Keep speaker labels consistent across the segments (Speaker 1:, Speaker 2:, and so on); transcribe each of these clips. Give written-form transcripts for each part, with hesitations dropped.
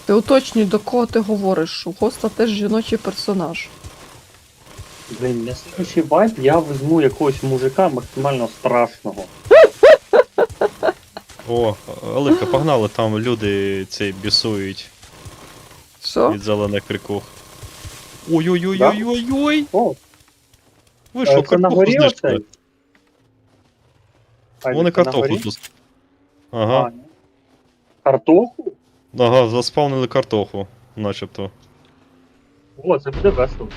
Speaker 1: Ти уточнюй, до кого ти говориш. У Госта теж жіночий персонаж.
Speaker 2: Блін, на слідчий вайп я візьму якогось мужика максимально страшного.
Speaker 3: О, Оливка, погнали, там люди цей бісують
Speaker 1: Що?
Speaker 3: від зелених крикух. Ой-ой-ой-ой-ой-ой!
Speaker 2: О,
Speaker 3: Ви що,
Speaker 2: це на
Speaker 3: картоху
Speaker 2: горі
Speaker 3: знищили?
Speaker 2: оцей?
Speaker 3: Вони
Speaker 2: Це на
Speaker 3: картоху
Speaker 2: горі?
Speaker 3: тут. Ага,
Speaker 2: ні. Картоху?
Speaker 3: ага, заспавнили картоху, начебто.
Speaker 2: О, це буде весело.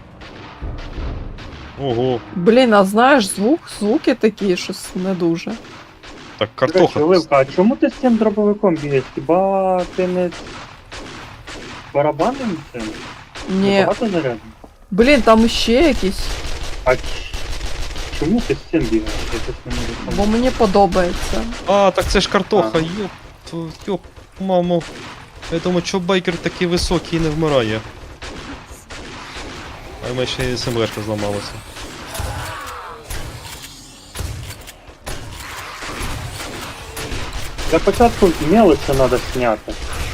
Speaker 3: Ого,
Speaker 1: Блін, а знаєш, звуки такі, щось не дуже.
Speaker 3: так
Speaker 2: До речі,
Speaker 3: картоха.
Speaker 2: Оливка, а чому ти з цим дробовиком бігаєш? Хіба ти не барабанним цим?
Speaker 1: Ні.
Speaker 2: Багато зарядів?
Speaker 1: Блін, там іще якісь.
Speaker 2: А чому ти з цим бігаєш? Я щось не можу
Speaker 1: Бо
Speaker 2: зрозуміти.
Speaker 1: мені подобається.
Speaker 3: А, так це ж картоха,
Speaker 2: Ага.
Speaker 3: ёп, мамо. Я думаю, чо байкер такий високий і не вмирає. А в мене ще і СМГшка зламалася.
Speaker 2: Для початку мелочі треба зняти.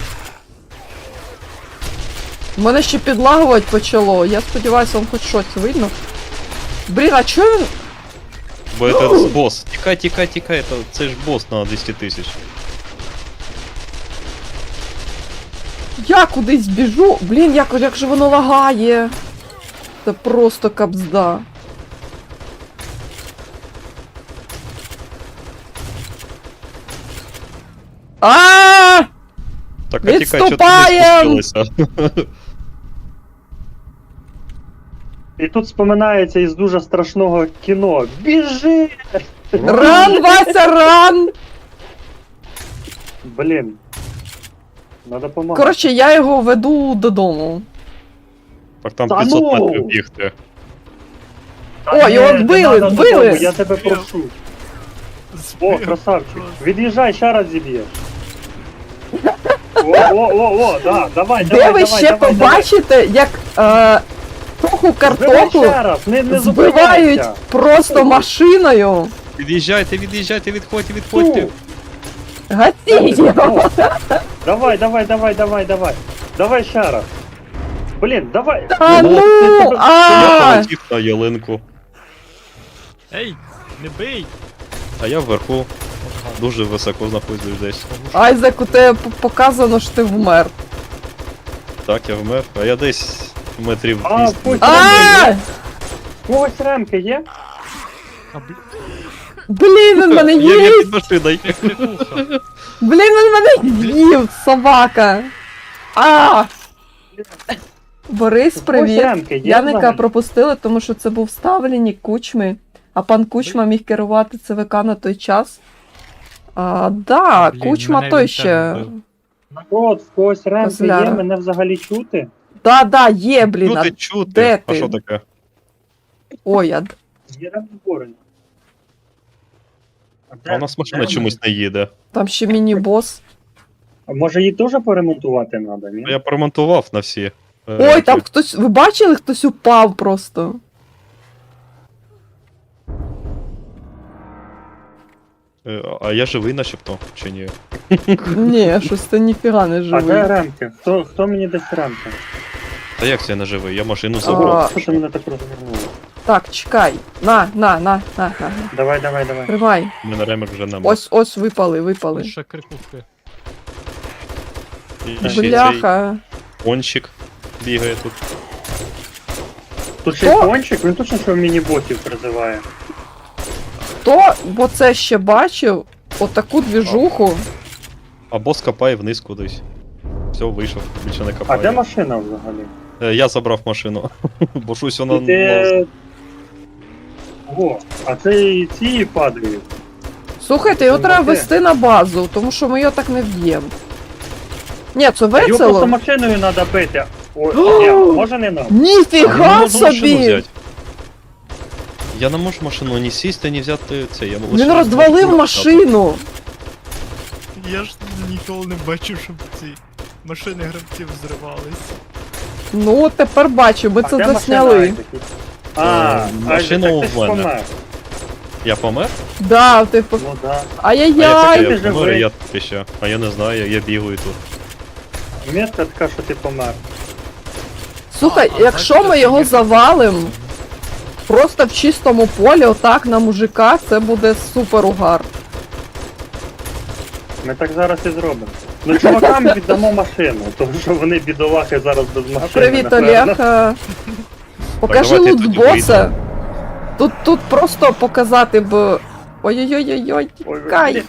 Speaker 1: Мене ще підлагувати почало. Я сподіваюся, вам хоч щось видно. Блін, а чого він.
Speaker 3: Бо це босс. Тікай, тікай, тікай, це ж босс на 200 тисяч.
Speaker 1: Я кудись біжу. Блін, як же воно лагає. Це просто кабзда. А!
Speaker 3: Так, а тікай, що ти не
Speaker 1: Відступаєм!
Speaker 3: спустилася?
Speaker 2: І тут споминається із дуже страшного кіно. Біжи!
Speaker 1: Ран, Вася, ран!
Speaker 2: Блін. Надо помагати.
Speaker 1: Коротше, я його веду додому.
Speaker 3: Так там
Speaker 2: Та
Speaker 3: 500
Speaker 2: ну!
Speaker 3: метрів бігти.
Speaker 1: О, його
Speaker 2: не
Speaker 1: вбили,
Speaker 2: надо
Speaker 1: вбили!
Speaker 2: додому, я тебе прошу. О, красавчик. Від'їжджай, ще раз зіб'єш. О, да, давай,
Speaker 1: Де
Speaker 2: давай,
Speaker 1: ви
Speaker 2: давай,
Speaker 1: ще
Speaker 2: давай,
Speaker 1: побачите, як троху
Speaker 2: Збивай
Speaker 1: картоплю
Speaker 2: ще раз, не
Speaker 1: збивають
Speaker 2: зупиняйся.
Speaker 1: просто машиною?
Speaker 3: Від'їжджайте, від'їжджайте, відходьте, відходьте.
Speaker 2: Фу.
Speaker 1: Гатіть його!
Speaker 2: Давай, давай, давай, давай, давай. Давай ще раз. Блін, давай.
Speaker 1: А
Speaker 3: Ну,
Speaker 1: ну!
Speaker 3: Я
Speaker 1: А!
Speaker 3: полетів на ялинку,
Speaker 4: Ей, не бий!
Speaker 3: а я вверху. Дуже високо знаходжусь десь.
Speaker 1: Айзек, у тебе показано, що ти вмер.
Speaker 3: Так, я вмер, а я десь метрів
Speaker 2: А,
Speaker 3: 200.
Speaker 2: пусть
Speaker 1: А!
Speaker 2: Когось ремки є?
Speaker 4: А
Speaker 1: Блін, він мене
Speaker 3: Я
Speaker 1: їв!
Speaker 3: під машиною.
Speaker 4: крикуха!
Speaker 1: Блін, він мене їв, собака! А! Борис, привіт!
Speaker 2: ремки є
Speaker 1: Яника
Speaker 2: взагалі?
Speaker 1: пропустили, тому що це був ставленник Кучми, а пан Кучма міг керувати ЦВК на той час. Да,
Speaker 4: Блін,
Speaker 1: Кучма
Speaker 4: мене
Speaker 1: той
Speaker 4: він
Speaker 1: ще.
Speaker 4: теж вбив.
Speaker 2: Народ, в когось ремки є,
Speaker 1: Козляра.
Speaker 2: мене взагалі чути?
Speaker 1: Да, є, блін.
Speaker 3: Чути,
Speaker 1: Де
Speaker 3: чути. А
Speaker 1: ти?
Speaker 3: що таке?
Speaker 1: Ой,
Speaker 2: Є ремки зборені.
Speaker 3: А у нас машина чомусь не їде.
Speaker 1: там ще міні-бос.
Speaker 2: А може її теж поремонтувати треба, ні?
Speaker 3: А я поремонтував на всі.
Speaker 1: Ой, там хтось. Ви бачили, хтось упав просто.
Speaker 3: А я живий начебто, чи ні?
Speaker 1: Ні, щось це ніфіга не
Speaker 2: А де
Speaker 1: живий.
Speaker 2: ремки? Хто мені дасть ремки?
Speaker 3: Та як це я не живий? Я машину забрав.
Speaker 2: Що ти мене так розвернуло?
Speaker 1: Так, чекай. На.
Speaker 2: Давай, давай, давай.
Speaker 1: Тримай.
Speaker 3: У мене ремер вже нема.
Speaker 1: Ось випали.
Speaker 4: Лише крикухи.
Speaker 3: І ще цей
Speaker 1: Бляха.
Speaker 3: кончик бігає тут.
Speaker 2: Тут ще й кончик, він точно що міні-ботів призиває.
Speaker 1: Хто, бо це ще бачив, отаку двіжуху.
Speaker 3: А бос копає вниз кудись. Все, вийшов, більше не
Speaker 2: А
Speaker 3: копає.
Speaker 2: де машина взагалі?
Speaker 3: Я забрав машину. Бо щось вона.
Speaker 2: Де... О, а це і ці падають.
Speaker 1: Слухайте, його
Speaker 2: Це
Speaker 1: треба
Speaker 2: таке.
Speaker 1: вести на базу, тому що ми його так не вб'ємо. Ні, це
Speaker 2: Його просто
Speaker 1: весело.
Speaker 2: машиною треба бити. Ой, ні, може не нам?
Speaker 3: Я не
Speaker 1: Ніфіга
Speaker 3: можу машину
Speaker 1: собі!
Speaker 3: взяти. Я не можу машину ні сісти, ні взяти це. Я лише
Speaker 1: Він розвалив
Speaker 3: можу
Speaker 1: машину.
Speaker 4: Я ж ніколи не бачив, щоб ці машини гравців зривались.
Speaker 1: Ну, тепер бачу, ми
Speaker 2: А
Speaker 1: це
Speaker 2: де
Speaker 1: засняли.
Speaker 2: машина, Айзек?
Speaker 3: машина
Speaker 2: Айзек, так ти
Speaker 3: у
Speaker 2: ж
Speaker 3: мене.
Speaker 2: помер.
Speaker 3: Я помер?
Speaker 1: Да, типу.
Speaker 2: Ну да.
Speaker 3: А я
Speaker 1: Ай-яй-яй!
Speaker 3: такий,
Speaker 2: ти
Speaker 3: я помер,
Speaker 2: живий.
Speaker 3: я тут ще. А я не знаю, я бігаю тут.
Speaker 2: Метка така, що ти помер.
Speaker 1: Слухай,
Speaker 4: А,
Speaker 1: якщо
Speaker 4: бачите,
Speaker 1: ми його
Speaker 4: скільки-
Speaker 1: завалим просто в чистому полі, отак на мужика, це буде супер угар.
Speaker 2: Ми так зараз і зробимо. Ну чувакам віддамо машину, тому що вони бідолахи зараз без машини.
Speaker 1: Привіт,
Speaker 2: напевно.
Speaker 1: Олег. Покажи
Speaker 3: давайте
Speaker 1: лут
Speaker 3: тоді
Speaker 1: боса. Тут просто показати б. Ой-ой-ой-ой,
Speaker 2: Ой,
Speaker 1: тікай.
Speaker 2: блін.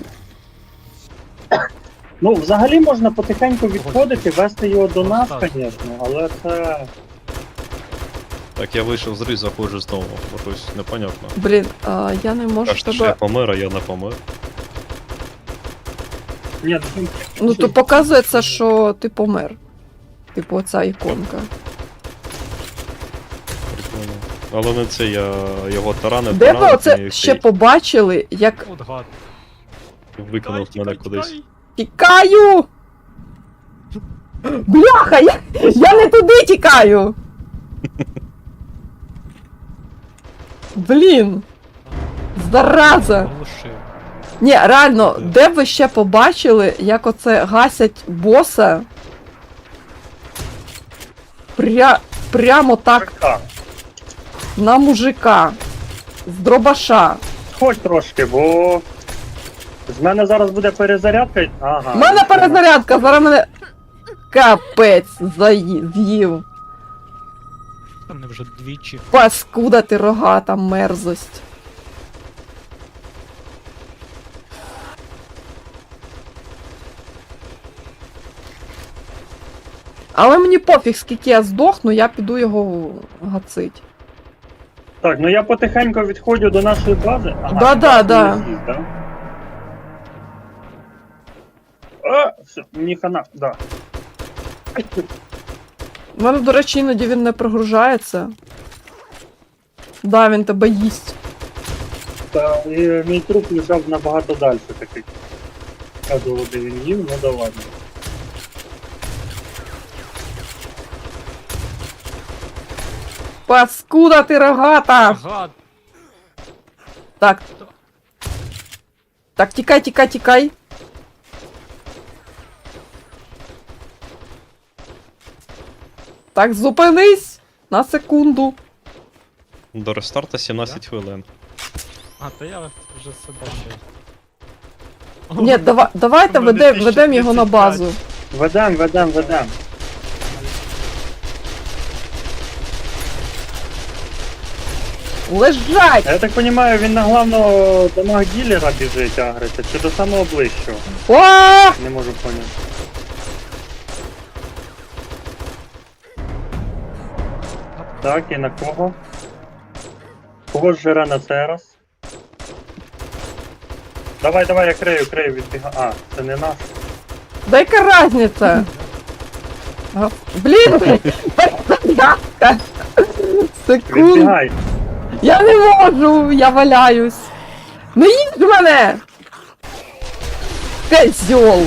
Speaker 2: Ну, взагалі можна потихеньку відходити, вести його до нас, звісно, але це.
Speaker 3: Так, я вийшов з гри, заходжу знову, бо щось непонятно.
Speaker 1: Блін, я не можу
Speaker 3: Кажете, що я
Speaker 1: тебе.
Speaker 3: помер, а я не помер.
Speaker 2: Ні, ну,
Speaker 1: Ну то показується, що ти помер. Типу оця іконка.
Speaker 3: Прикольно. Але не це, я його таранив,
Speaker 1: Де ви
Speaker 3: таранив,
Speaker 1: оце
Speaker 3: і
Speaker 1: ще побачили, як
Speaker 4: От гад.
Speaker 3: викинув мене кудись.
Speaker 1: тікаю? Бляха, я не туди тікаю. Блін. Зараза.
Speaker 4: Оглушив.
Speaker 1: Ні, реально, де б ви ще побачили, як оце гасять боса? Прямо так
Speaker 2: Так,
Speaker 1: на мужика. З дробаша.
Speaker 2: сходь трошки, бо. З мене зараз буде перезарядка. Ага.
Speaker 1: У мене перезарядка, зараз мене капець з'їв.
Speaker 4: Там не вже двічі.
Speaker 1: Паскуда ти рогата мерзость. Але мені пофіг, скільки я здохну, я піду його гацить.
Speaker 2: Так, ну я потихеньку відходжу до нашої бази. Ага,
Speaker 1: Да-да,
Speaker 2: ти
Speaker 1: да.
Speaker 2: з'їзд, да? А, все, мені хана, да.
Speaker 1: У мене, до речі, іноді він не прогружається. Да, він тебе їсть.
Speaker 2: Та і мій труп лежав набагато далі такий. Я думав, де він їв, ну да ладно.
Speaker 1: Паскуда ти рогата!
Speaker 4: Гад!
Speaker 1: Так. Так, тікай, тікай, тікай. Так, зупинись на секунду.
Speaker 3: До рестарта 17 хвилин.
Speaker 4: А, то я вже все бачив.
Speaker 1: Ні, давайте
Speaker 4: У мене
Speaker 1: ведемо його на
Speaker 4: 1035.
Speaker 1: базу.
Speaker 2: Ведем.
Speaker 1: Лежать!
Speaker 2: Я так розумію, він на главного дамаг ділера біжить агриться, чи до самого ближчого?
Speaker 1: О!
Speaker 2: Не можу поняти. Так, і на кого? Кого ж жере на цей раз? Давай, я крию, відбігаю. А, це не наш.
Speaker 1: Да яка разниця? А, блін! Перезарядка! Секунд!
Speaker 2: Відбігай.
Speaker 1: Я не можу! Я валяюсь! Не їдь мене! Козьол!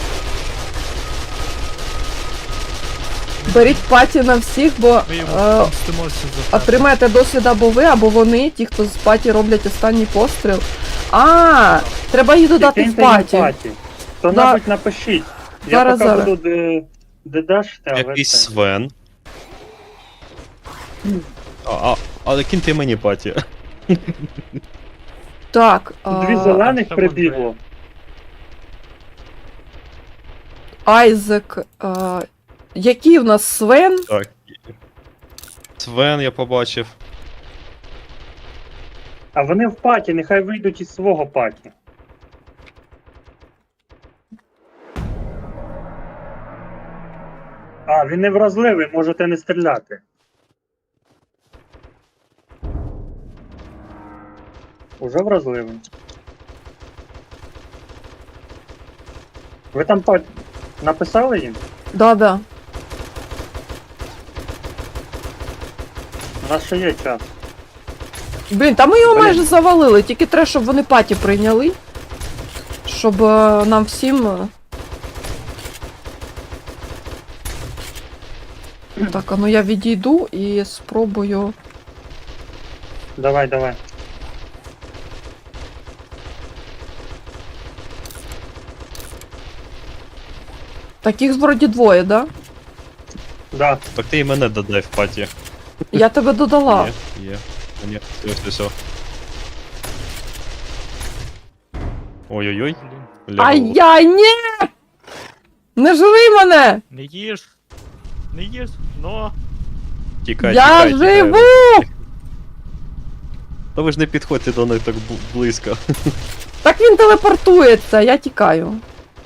Speaker 1: Беріть паті на всіх, бо
Speaker 4: Ми йому помстимося за те.
Speaker 1: отримаєте досвід або ви, або вони, ті, хто з паті роблять останній постріл. А, треба їх додати в
Speaker 2: Киньте їм
Speaker 1: паті.
Speaker 2: Хто-небудь напишіть. Я
Speaker 1: Зараз,
Speaker 2: поки
Speaker 1: зараз.
Speaker 2: буду дедашити, а ви
Speaker 3: Якийсь
Speaker 2: це.
Speaker 3: Свен. Але киньте мені паті.
Speaker 1: Так,
Speaker 2: Дві зелених
Speaker 4: це
Speaker 2: прибігло.
Speaker 1: Айзек. Який в нас Свен?
Speaker 3: Так. Свен я побачив.
Speaker 2: А вони в паті, нехай вийдуть із свого паті. А, він не вразливий, можете не стріляти. Уже вразливий. Ви там паті написали їм?
Speaker 1: Да.
Speaker 2: У нас ще є час.
Speaker 1: Блін, та ми його
Speaker 2: Блін.
Speaker 1: майже завалили, тільки треба, щоб вони паті прийняли. Щоб нам всім. Так, а ну я відійду і спробую.
Speaker 2: Давай.
Speaker 1: Так їх вроді двоє, да?
Speaker 2: Да.
Speaker 3: Так ти і мене додай в паті.
Speaker 1: Я тебе додала.
Speaker 3: Є. А, ні, все. Ой-ой-ой.
Speaker 4: Блін.
Speaker 3: Лягало.
Speaker 1: Ай-яй, ні! Не жри мене!
Speaker 4: Не їж. Не їж. Но.
Speaker 3: Тікай,
Speaker 1: Я
Speaker 3: тікай,
Speaker 1: живу!
Speaker 3: тікай. Та ви ж не підходьте до них так близько.
Speaker 1: Так він телепортується, я тікаю.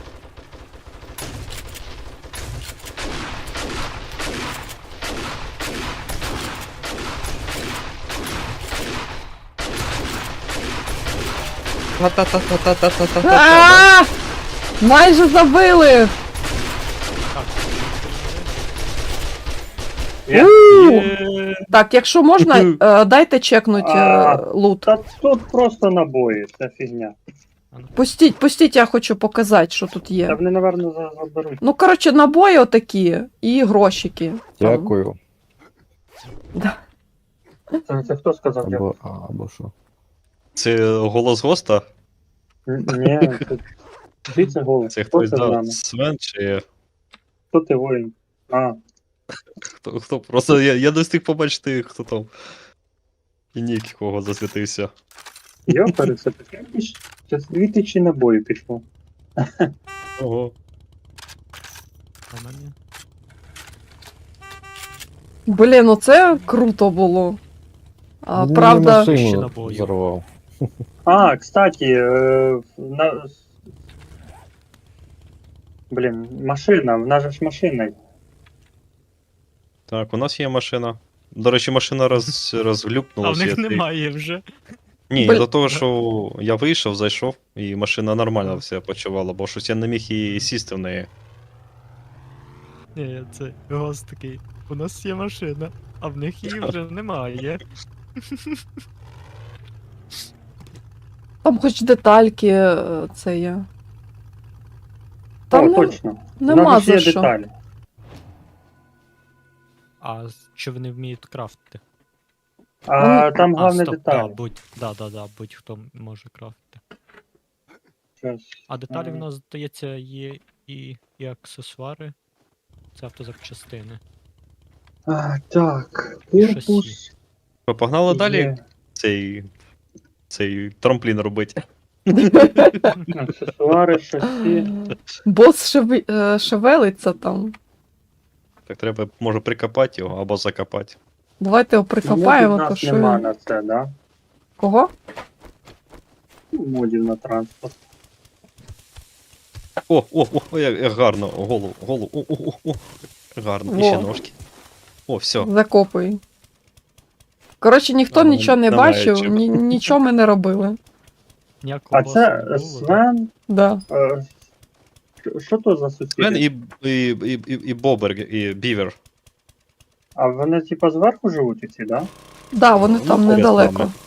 Speaker 3: Та-та-та-та-та-та-та-та.
Speaker 1: А! Майже забили!
Speaker 2: Є.
Speaker 1: У! Так, якщо можна, дайте чекнуть лут.
Speaker 2: Та тут просто набої, це фігня.
Speaker 1: Пустіть, я хочу показати, що тут
Speaker 2: Та
Speaker 1: є.
Speaker 2: вони, напевно, заберуть.
Speaker 1: Ну, коротше, набої отакі і грошики.
Speaker 5: Дякую.
Speaker 2: Це хто сказав?
Speaker 5: Або, або що.
Speaker 3: Це голос госта?
Speaker 2: Ні, це голос.
Speaker 3: Це
Speaker 2: Хто
Speaker 3: хтось
Speaker 2: це з
Speaker 3: дав
Speaker 2: нами?
Speaker 3: Свен чи
Speaker 2: Хто ти воїн? А,
Speaker 3: хто? Просто я не встиг побачити, хто там. І нік кого засвітився.
Speaker 2: йопери, це таке. Це 2000 набоїв пішло.
Speaker 3: Ого.
Speaker 4: А мені.
Speaker 1: Блін, ну це круто було. А,
Speaker 5: Він
Speaker 1: правда,
Speaker 5: мені
Speaker 4: Ще
Speaker 5: машину
Speaker 4: набою.
Speaker 5: взорвав.
Speaker 2: А, кстати, блін, машина, в нас же ж машина.
Speaker 3: Так, у нас є машина. До речі, машина
Speaker 4: А
Speaker 3: розглюпнулася.
Speaker 4: в них немає вже.
Speaker 3: Ні,
Speaker 1: Блін.
Speaker 3: до того, що я вийшов, зайшов, і машина нормально все почувала, бо щось я не міг і сісти в неї.
Speaker 4: Ні, це голос такий. У нас є машина, а в них її вже немає.
Speaker 1: там хоч детальки це є.
Speaker 2: О,
Speaker 1: Там
Speaker 2: точно.
Speaker 1: нема
Speaker 2: Навіть
Speaker 1: за
Speaker 2: є
Speaker 1: що.
Speaker 2: деталі.
Speaker 4: А чи вони вміють крафтити?
Speaker 2: А там головне
Speaker 4: стоп,
Speaker 2: деталі.
Speaker 4: будь-хто може крафтити.
Speaker 2: Щас.
Speaker 4: А деталі в нас, здається, є і аксесуари. Це автозапчастини.
Speaker 2: Так,
Speaker 4: Шасі.
Speaker 2: корпус.
Speaker 3: Ми погнали далі
Speaker 2: є.
Speaker 3: цей трамплін робити.
Speaker 2: Аксесуари, шасі.
Speaker 1: Бос шевелиться там.
Speaker 3: Так треба, може, прикопати його або закопати.
Speaker 1: Давайте його
Speaker 2: Модів
Speaker 1: прикопаємо,
Speaker 2: нас
Speaker 1: то що.
Speaker 2: нема
Speaker 1: він-
Speaker 2: на це, да?
Speaker 1: Кого?
Speaker 2: Модів на транспорт.
Speaker 3: О, як гарно, голову, о. Гарно, і
Speaker 1: Во.
Speaker 3: ще ножки. О, все.
Speaker 1: Закопуй. Коротше, ніхто
Speaker 3: Ага,
Speaker 1: нічого не
Speaker 3: немає
Speaker 1: бачив,
Speaker 3: чого.
Speaker 1: нічого ми не робили.
Speaker 4: Ніякого
Speaker 2: А
Speaker 4: боса
Speaker 2: це
Speaker 4: не було, да?
Speaker 2: Свен.
Speaker 1: Да.
Speaker 2: Що то за
Speaker 3: Свен
Speaker 2: сусіди?
Speaker 3: і Бобер, і Бівер.
Speaker 2: А вони типа зверху живуть ці, да?
Speaker 1: Да, вони там
Speaker 3: поряд з
Speaker 1: недалеко.
Speaker 3: нами.